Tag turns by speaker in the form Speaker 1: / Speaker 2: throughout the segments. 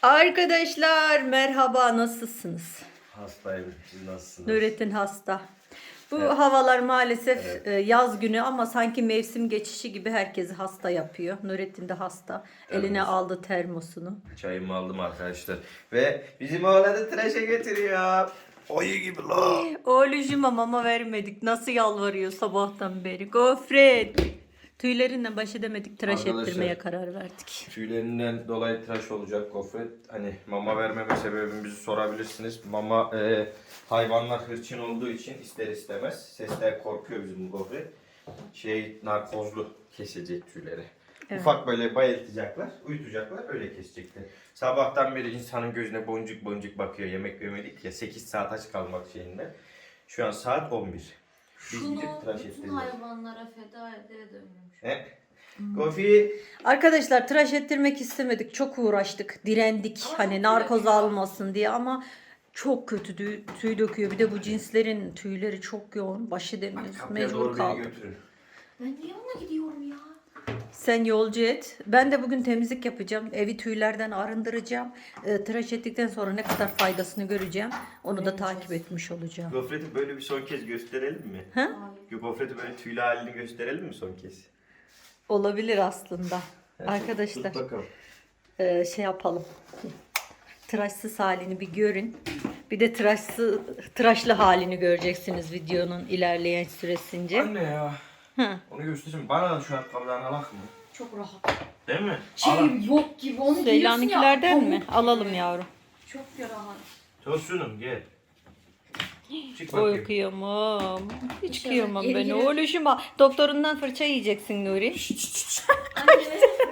Speaker 1: Arkadaşlar merhaba, nasılsınız?
Speaker 2: Hastayım. Siz nasılsınız?
Speaker 1: Nurettin hasta. Bu
Speaker 2: Evet.
Speaker 1: havalar maalesef
Speaker 2: Evet.
Speaker 1: yaz günü ama sanki mevsim geçişi gibi herkesi hasta yapıyor. Nurettin de hasta. Eline
Speaker 2: Evet.
Speaker 1: aldı termosunu.
Speaker 2: Çayımı aldım arkadaşlar. Ve bizim oğlanı tıraşa götürüyor. Oyu gibi la.
Speaker 1: Oğlucuma mama vermedik. Nasıl yalvarıyor sabahtan beri. Gofret. Tüylerinden baş edemedik. Tıraş
Speaker 2: Arkadaşlar,
Speaker 1: ettirmeye karar verdik.
Speaker 2: Tüylerinden dolayı tıraş olacak gofret. Hani mama vermeme sebebimizi sorabilirsiniz. Mama hayvanlar hırçın olduğu için ister istemez sesten korkuyor bizim bu gofret. Narkozlu kesecek tüyleri.
Speaker 1: Evet.
Speaker 2: Ufak böyle bayıltacaklar, uyutacaklar, öyle kesecekler. Sabahtan beri insanın gözüne boncuk boncuk bakıyor. Yemek yemedik ya, 8 saat aç kalmak şeyinde. Şu an saat 11. Biz
Speaker 3: Şunu
Speaker 2: gidip tıraş
Speaker 3: bütün
Speaker 2: ettireceğiz.
Speaker 3: hayvanlara feda ede dönmüş.
Speaker 2: He? Kofi.
Speaker 1: Arkadaşlar tıraş ettirmek istemedik. Çok uğraştık. Direndik.
Speaker 3: Ama
Speaker 1: Hani
Speaker 3: çok
Speaker 1: narkoz
Speaker 3: döküyor.
Speaker 1: almasın diye ama çok kötü tüy döküyor. Bir de bu cinslerin tüyleri çok yoğun. Baş edemiyoruz.
Speaker 2: Kapıya
Speaker 1: Mecbur
Speaker 2: doğru beni
Speaker 1: kaldık.
Speaker 2: götürün.
Speaker 3: Ben niye ona gidiyorum ya?
Speaker 1: Sen yolcu et. Ben de bugün temizlik yapacağım. Evi tüylerden arındıracağım. Tıraş ettikten sonra ne kadar faydasını göreceğim. Onu da takip etmiş olacağım.
Speaker 2: Gofreti böyle bir son kez gösterelim mi?
Speaker 1: Ha?
Speaker 2: Gofreti böyle tüylü halini gösterelim mi son kez?
Speaker 1: Olabilir aslında. Arkadaşlar
Speaker 2: Tut bakalım.
Speaker 1: şey yapalım. Tıraşsız halini bir görün. Bir de tıraşlı halini göreceksiniz videonun ilerleyen süresince.
Speaker 2: Anne ya.
Speaker 1: Hı.
Speaker 2: Onu göstereyim. Bana da şu ayakkabıdan alak mı?
Speaker 3: Çok rahat.
Speaker 2: Değil mi?
Speaker 3: Şey
Speaker 2: Alak.
Speaker 3: yok gibi onu giyiyorsun ya.
Speaker 1: Seylan'ınkilerden mi?
Speaker 3: pamuk
Speaker 1: Alalım
Speaker 3: gibi.
Speaker 1: yavrum.
Speaker 3: Çok rahat.
Speaker 2: Tosunum gel. Çık
Speaker 1: Oy
Speaker 2: bakayım.
Speaker 1: kıyamam. Hiç
Speaker 3: İnşallah
Speaker 1: kıyamam
Speaker 3: geri
Speaker 1: ben
Speaker 3: gelir.
Speaker 1: oğluşuma. Doktorundan fırça yiyeceksin Nuri.
Speaker 3: Anne.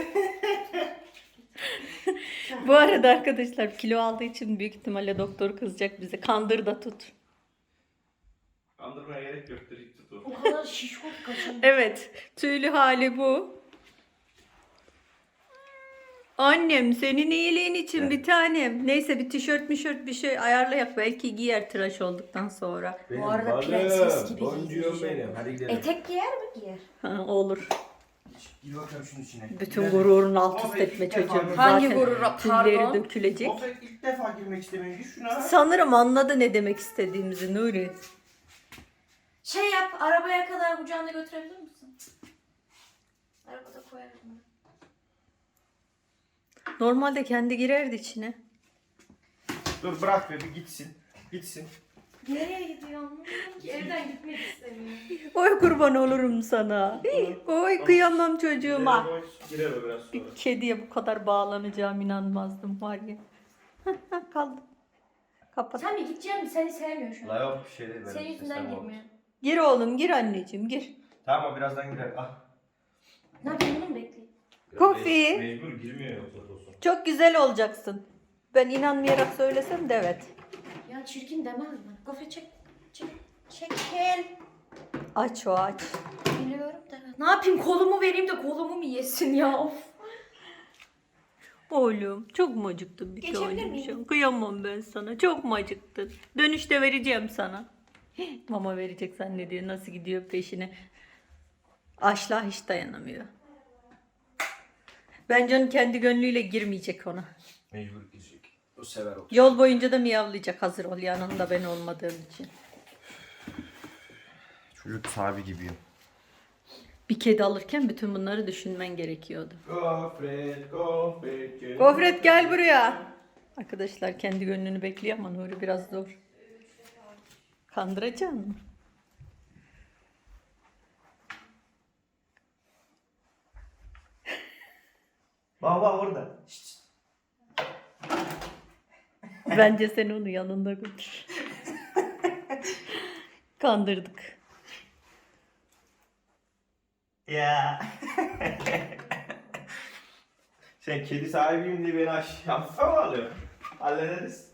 Speaker 1: Bu arada arkadaşlar kilo aldığı için büyük ihtimalle doktor kızacak bize. Kandır da tut.
Speaker 2: Kandırmaya gerek yoktur. Hiç tut o.
Speaker 3: O kadar şişko kaçın.
Speaker 1: Evet, tüylü hali bu. Annem senin iyiliğin için
Speaker 2: Evet.
Speaker 1: bir tanem. Neyse bir tişört bir şey ayarlayak. Belki giyer tıraş olduktan sonra.
Speaker 3: Bu arada prenses gibi
Speaker 2: Boncuğum
Speaker 3: giydireceğim.
Speaker 2: benim. Hadi gidelim.
Speaker 3: Etek giyer mi giyer?
Speaker 1: Ha, olur.
Speaker 2: Gir bakalım şunun içine.
Speaker 1: Bütün
Speaker 2: Gidelim.
Speaker 1: gururunu alt üst
Speaker 2: Gofret
Speaker 1: etme
Speaker 2: ilk defa
Speaker 1: çocuğumuz.
Speaker 2: girmek-
Speaker 3: Hangi
Speaker 1: Zaten
Speaker 3: gurura,
Speaker 1: tülleri
Speaker 3: pardon?
Speaker 1: dökülecek.
Speaker 2: Gofret ilk defa girmek istemiyor. Gir şuna.
Speaker 1: Sanırım anladı ne demek istediğimizi Nuri.
Speaker 3: Şey yap, arabaya kadar kucağında götürebilir misin? Arabada koyarım ben.
Speaker 1: Normalde kendi girerdi içine.
Speaker 2: Dur bırak be bir gitsin. Gitsin.
Speaker 3: Nereye gidiyorsun? Evden gitmek istemiyorum.
Speaker 1: Oy kurban olurum sana. Oy kıyamam çocuğuma.
Speaker 2: Girer o biraz sonra.
Speaker 1: Bir kediye bu kadar bağlanacağım inanmazdım var ya. Kaldım. Kapat.
Speaker 3: Sen mi gideceksin mi? Seni sevmiyor şu an.
Speaker 2: La yok bir şey değil. benim
Speaker 3: Senin yüzünden
Speaker 2: sistem oldu.
Speaker 3: girmiyor.
Speaker 1: Gir oğlum gir anneciğim gir.
Speaker 2: Tamam o birazdan girer. Ah.
Speaker 3: Ne yapayım bunu mu bekleyeyim?
Speaker 1: Kofi.
Speaker 2: Mecbur girmiyor yoksa tosun.
Speaker 1: Çok güzel olacaksın. Ben inanmayarak söylesem de evet.
Speaker 3: Ya çirkin demez mi? Gofret çek. Çekil.
Speaker 1: Aç o aç.
Speaker 3: Biliyorum da. Ne yapayım kolumu vereyim de kolumu mu yesin ya? Of.
Speaker 1: Oğlum çok mu acıktın bir
Speaker 3: Geçebilir
Speaker 1: tanem
Speaker 3: miyim?
Speaker 1: şu an? Kıyamam ben sana. Çok mu acıktın? Dönüşte vereceğim sana. Mama verecek zannediyor. Nasıl gidiyor peşine. Açlığa hiç dayanamıyor. Bence onun kendi gönlüyle girmeyecek ona.
Speaker 2: Mecbur girecek. O sever o.
Speaker 1: Yol boyunca da miyavlayacak hazır ol yanında ben olmadığım için.
Speaker 2: Çocuk sahibi gibi.
Speaker 1: Bir kedi alırken bütün bunları düşünmen gerekiyordu.
Speaker 2: Gofret, gofret.
Speaker 1: Gofret gel buraya. Arkadaşlar kendi gönlünü bekliyor ama Nuri biraz zor. Kandıracaksın mı?
Speaker 2: Baba orada. Şşt.
Speaker 1: Bence sen onu yanında götür. Kandırdık.
Speaker 2: Ya. Sen kedi sahibiyim diye beni aşağı mı alıyorsun? Hallederiz.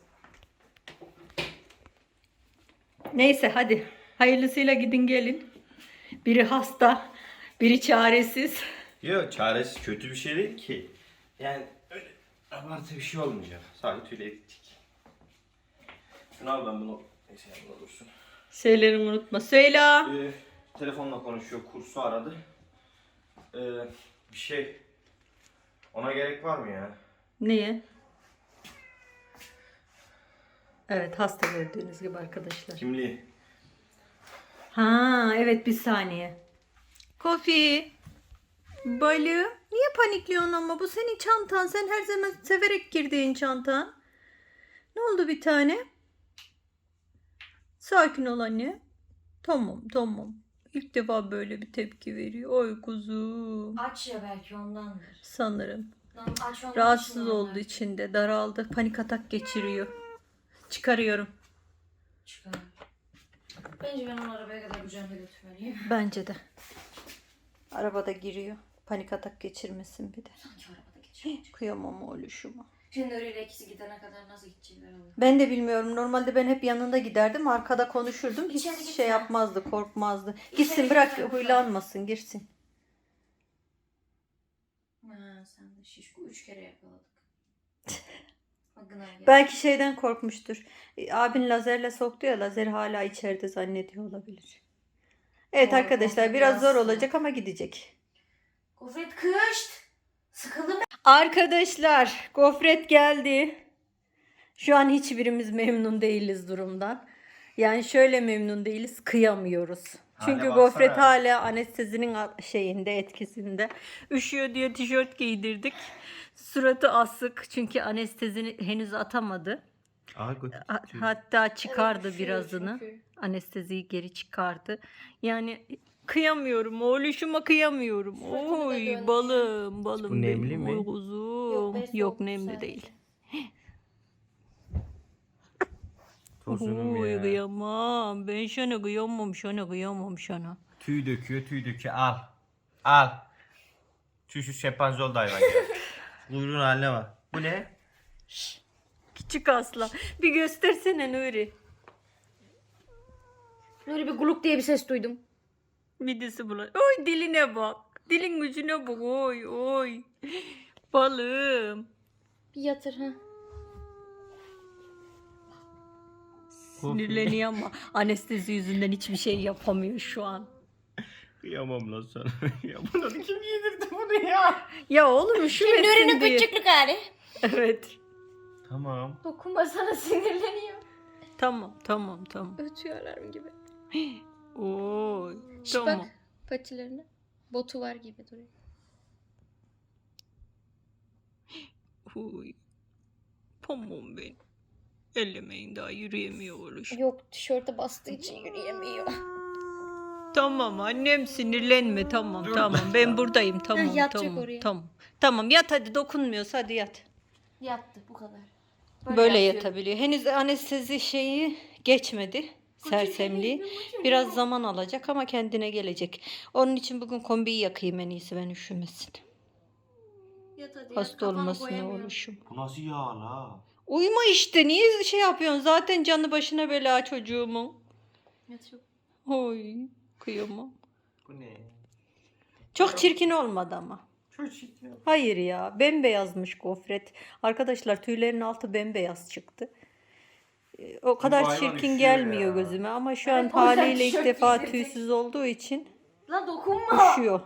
Speaker 1: Neyse hadi. Hayırlısıyla gidin gelin. Biri hasta, biri çaresiz.
Speaker 2: Yok çaresi kötü bir şey değil ki. Yani öyle abartı bir şey olmayacak. Sadece tüyle gittik. Şunu al ben bunu. Neyse yanımda dursun.
Speaker 1: Şeylerimi unutma. Söyle.
Speaker 2: Telefonla konuşuyor. Kursu aradı. Bir şey. Ona gerek var mı ya?
Speaker 1: Niye? Evet, hasta gördüğünüz gibi arkadaşlar.
Speaker 2: Kimliği.
Speaker 1: Ha evet, bir saniye. Kofi. Balı. Niye panikliyorsun ama? Bu senin çantan. Sen her zaman severek girdiğin çantan. Ne oldu bir tane? Sakin ol anne. Tamam tamam. İlk defa böyle bir tepki veriyor. Oy kuzum.
Speaker 3: Aç ya, belki ondandır.
Speaker 1: Sanırım.
Speaker 3: Lan aç ondan.
Speaker 1: Rahatsız oldu içinde. Daraldı. Panik atak geçiriyor. Çıkarıyorum.
Speaker 3: Çıkar. Bence ben onu arabaya kadar kucağımda götürmeliyim.
Speaker 1: Bence de. Arabada giriyor. Panik atak geçirmesin bir de.
Speaker 3: Sanki arabada geçiyor.
Speaker 1: Kıyamam oğluşuma.
Speaker 3: Şimdi öyle ikisi gidene kadar nasıl gidecekler olur.
Speaker 1: Ben de bilmiyorum. Normalde ben hep yanında giderdim. Arkada konuşurdum. Hiç
Speaker 3: İçeri gitme.
Speaker 1: şey yapmazdı. Korkmazdı.
Speaker 3: İçeri
Speaker 1: Gitsin, bırak
Speaker 3: gitme.
Speaker 1: huylanmasın. Girsin.
Speaker 3: Ha, sen de şişko 3 kere yakaladık. Gına geldi.
Speaker 1: Belki şeyden korkmuştur. Abin lazerle soktu ya. Lazer hala içeride zannediyor olabilir. Evet
Speaker 3: Doğru,
Speaker 1: arkadaşlar,
Speaker 3: doğru.
Speaker 1: biraz zor
Speaker 3: Biraz
Speaker 1: olacak ama gidecek.
Speaker 3: Gofret kışt. Sıkıldım.
Speaker 1: Arkadaşlar, gofret geldi. Şu an hiçbirimiz memnun değiliz durumdan. Yani şöyle memnun değiliz, kıyamıyoruz. Çünkü
Speaker 2: Hale
Speaker 1: gofret
Speaker 2: baksana.
Speaker 1: hala anestezinin şeyinde, etkisinde. Üşüyor diye tişört giydirdik. Suratı asık çünkü anestezini henüz atamadı. Hatta çıkardı
Speaker 3: Evet, üşüyor
Speaker 1: birazını.
Speaker 3: çünkü.
Speaker 1: Anesteziyi geri çıkardı. Yani kıyamıyorum. Oğluşuma kıyamıyorum.
Speaker 3: Fırtına da
Speaker 1: Oy
Speaker 3: döndü.
Speaker 1: balım, balım
Speaker 2: Bu nemli
Speaker 1: benim.
Speaker 2: mi?
Speaker 1: Oy kuzum.
Speaker 3: Yok, be,
Speaker 1: Yok
Speaker 3: soğuk
Speaker 1: nemli
Speaker 3: sadece.
Speaker 1: değil.
Speaker 2: Tosunum
Speaker 1: Oy
Speaker 2: ya.
Speaker 1: kıyamam. Ben sana kıyamam, sana kıyamam sana.
Speaker 2: Tüy döküyor, tüy döküyor. Al. Al. Şu şempanzol da hayvan ya. Kuyruğun haline bak. Bu ne?
Speaker 1: Küçük aslan. Bir göstersene Nuri.
Speaker 3: Böyle bir guluk diye bir ses duydum.
Speaker 1: Midesi bulan. Oy diline bak. Dilin gücüne bak. Oy oy. Balım.
Speaker 3: Bir yatır ha.
Speaker 1: Sinirleniyor ama anestezi yüzünden hiçbir şey yapamıyor şu an.
Speaker 2: Kıyamam lan sana. Ya bunu kim giydirdi bunu ya?
Speaker 1: Ya oğlum üşümesin
Speaker 3: Nuri'nin
Speaker 1: diye.
Speaker 3: küçüklük hali.
Speaker 1: Evet.
Speaker 2: Tamam.
Speaker 3: Dokunma, sana sinirleniyor.
Speaker 1: Tamam tamam tamam.
Speaker 3: Ötüyor alarm gibi.
Speaker 1: Oy.
Speaker 3: Şş,
Speaker 1: Tamam.
Speaker 3: bak patilerine. Botu var gibi duruyor.
Speaker 1: Oy. Tamam ben. Ellemeyin, daha yürüyemiyor oğluş.
Speaker 3: Yok, tişörte bastığı için yürüyemiyor.
Speaker 1: Tamam annem, sinirlenme, tamam
Speaker 2: Dur.
Speaker 1: tamam ben buradayım, tamam
Speaker 3: yatacak
Speaker 1: tamam
Speaker 3: oraya.
Speaker 1: tamam. Tamam yat hadi, dokunmuyorsa hadi yat.
Speaker 3: Yattı, bu kadar.
Speaker 1: Böyle
Speaker 3: yatıyor.
Speaker 1: yatabiliyor. Henüz anestezi şeyi geçmedi. Sersemliği. Biraz zaman alacak ama kendine gelecek. Onun için bugün kombiyi yakayım en iyisi, ben üşümesin.
Speaker 3: Yat hadi,
Speaker 1: Hasta
Speaker 3: kafanı
Speaker 1: olmasın
Speaker 3: koyamıyorum.
Speaker 1: oğluşum.
Speaker 2: Bu nasıl yağ la?
Speaker 1: Uyuma işte, niye şey yapıyorsun? Zaten canı başına bela çocuğumun.
Speaker 3: Yatıyor.
Speaker 1: Oy kıyamam.
Speaker 2: Bu ne?
Speaker 1: Çok çirkin olmadı ama.
Speaker 2: Çocuk ya.
Speaker 1: Hayır ya, bembeyazmış gofret. Arkadaşlar tüylerin altı bembeyaz çıktı. O kadar
Speaker 2: hayvan
Speaker 1: çirkin
Speaker 2: üşüyor
Speaker 1: gelmiyor
Speaker 2: ya.
Speaker 1: gözüme ama şu
Speaker 3: Evet,
Speaker 1: an
Speaker 3: o yüzden
Speaker 1: haliyle ilk
Speaker 3: tişört
Speaker 1: defa
Speaker 3: giydirecek.
Speaker 1: tüysüz olduğu için
Speaker 3: Lan dokunma.
Speaker 1: üşüyor.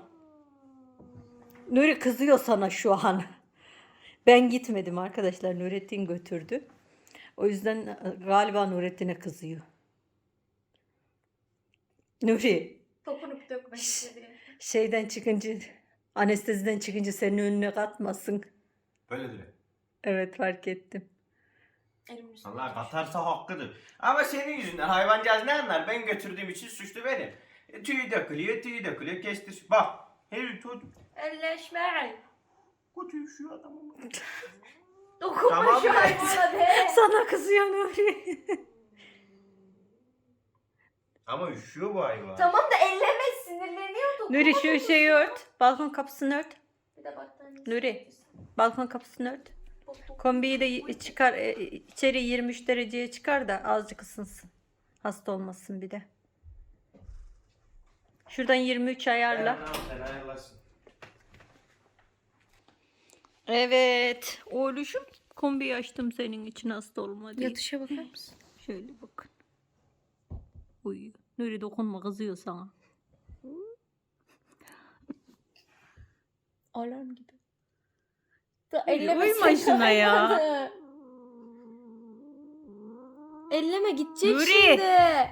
Speaker 1: Nuri kızıyor sana şu an. Ben gitmedim arkadaşlar, Nurettin götürdü. O yüzden galiba Nurettin'e kızıyor. Nuri
Speaker 3: Dokunup dökmek istedi.
Speaker 1: şeyden çıkınca, anesteziden çıkınca senin önüne katmasın.
Speaker 2: Böyle dire.
Speaker 1: Evet, fark ettim.
Speaker 3: Elimin üstüne.
Speaker 2: Allah katarsa hakkıdır. Ama senin yüzünden hayvancağız ne anlar? Ben götürdüğüm için suçlu benim. Tüy dökülüyor, tüy dökülüyor. Kestir. Bak. Her çocuk.
Speaker 3: Elleşme.
Speaker 2: Kötü şu adamı.
Speaker 3: Dokunma
Speaker 2: Tamam
Speaker 3: şu
Speaker 2: be.
Speaker 3: hayvana be.
Speaker 1: Sana kızıyor Nuri.
Speaker 2: Ama üşüyor bu hayvan.
Speaker 3: Tamam da elleme, sinirleniyor, dokunma.
Speaker 1: Nuri şu şeyi ört. Balkon kapısını ört.
Speaker 3: Bir de battaniye.
Speaker 1: Nuri. Balkon kapısını ört. Kombiyi de çıkar, içeri 23 dereceye çıkar da azıcık ısınsın. Hasta olmasın bir de. Şuradan 23 ayarla.
Speaker 2: Sen ayarlasın.
Speaker 1: Evet. Oğluşum, kombiyi açtım senin için, hasta olma diye.
Speaker 3: Yatışa bakar mısın?
Speaker 1: Şöyle bakın. Uyuyor. Nuri dokunma, kızıyor sana.
Speaker 3: Alarm gibi. Da
Speaker 1: Uyuma şuna ya.
Speaker 3: elleme gidecek
Speaker 1: Nuri.
Speaker 3: şimdi.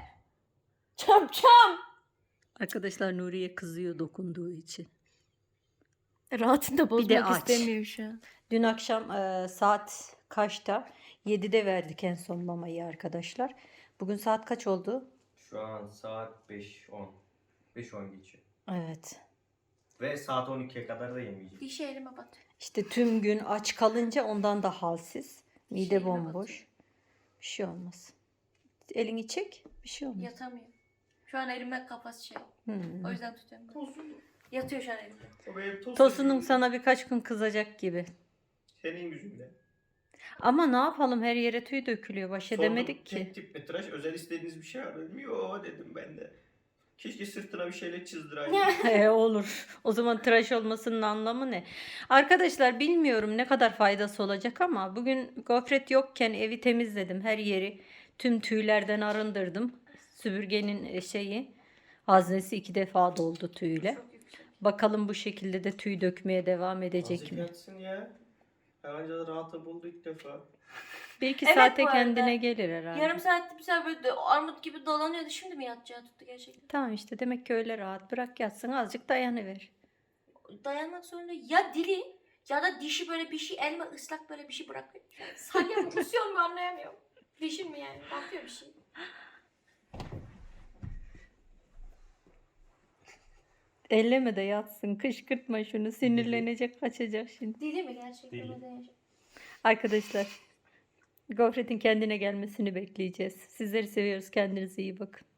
Speaker 3: Çam.
Speaker 1: Arkadaşlar Nuriye kızıyor dokunduğu için.
Speaker 3: Rahatını da
Speaker 1: Bir de
Speaker 3: bozmak
Speaker 1: aç.
Speaker 3: istemiyor şu an.
Speaker 1: Dün akşam saat kaçta? 7'de verdik en son mamayı arkadaşlar. Bugün saat kaç oldu?
Speaker 2: Şu an saat 5:10. 5:10 geçiyor.
Speaker 1: Evet.
Speaker 2: Ve saat 12'ye kadar da yemeyeceğim.
Speaker 3: Dişi elime bat.
Speaker 1: İşte tüm gün aç kalınca ondan da halsiz. Mide
Speaker 3: Şeyine
Speaker 1: bomboş. Bir şey olmaz. Elini çek. Bir şey olmaz.
Speaker 3: Yatamıyor. Şu an elimde kafası şey.
Speaker 1: Hmm.
Speaker 3: O yüzden tutuyorum. Yatıyor şu an elimde.
Speaker 1: Tosunum sana birkaç gün kızacak gibi.
Speaker 2: Senin yüzünden.
Speaker 1: Ama ne yapalım, her yere tüy dökülüyor. Baş edemedik ki.
Speaker 2: Tek tip mi tıraş? Özel istediğiniz bir şey var mı? Yo dedim ben de. Keşke sırtına bir şeyle çizdiraydım.
Speaker 1: Olur. O zaman tıraş olmasının anlamı ne? Arkadaşlar bilmiyorum ne kadar faydası olacak ama bugün gofret yokken evi temizledim. Her yeri tüm tüylerden arındırdım. Süpürgenin haznesi 2 defa doldu tüyle.
Speaker 3: Çok yüksek.
Speaker 1: Bakalım bu şekilde de tüy dökmeye devam edecek
Speaker 2: Nasıl
Speaker 1: mi?
Speaker 2: yatsın ya? Anca rahata buldu ilk defa.
Speaker 1: 1-2
Speaker 3: Evet,
Speaker 1: saate
Speaker 3: bu arada.
Speaker 1: kendine gelir herhalde.
Speaker 3: Yarım saatte bir sefer böyle armut gibi dolanıyordu. Şimdi mi yatacağı tuttu gerçekten?
Speaker 1: Tamam işte, demek ki öyle rahat. Bırak yatsın, azıcık dayanıver.
Speaker 3: Dayanmak zorunda. Ya dili ya da dişi böyle bir şey elime ıslak böyle bir şey bırakıyor. Salya mı kusuyor mu anlayamıyorum. Dişim mi yani? Bakıyor bir şey.
Speaker 1: Elleme de yatsın. Kışkırtma şunu. Sinirlenecek, kaçacak şimdi.
Speaker 3: Dili mi gerçekten?
Speaker 2: Dili.
Speaker 3: Neden yaşıyor?
Speaker 1: Arkadaşlar, gofretin kendine gelmesini bekleyeceğiz. Sizleri seviyoruz. Kendinize iyi bakın.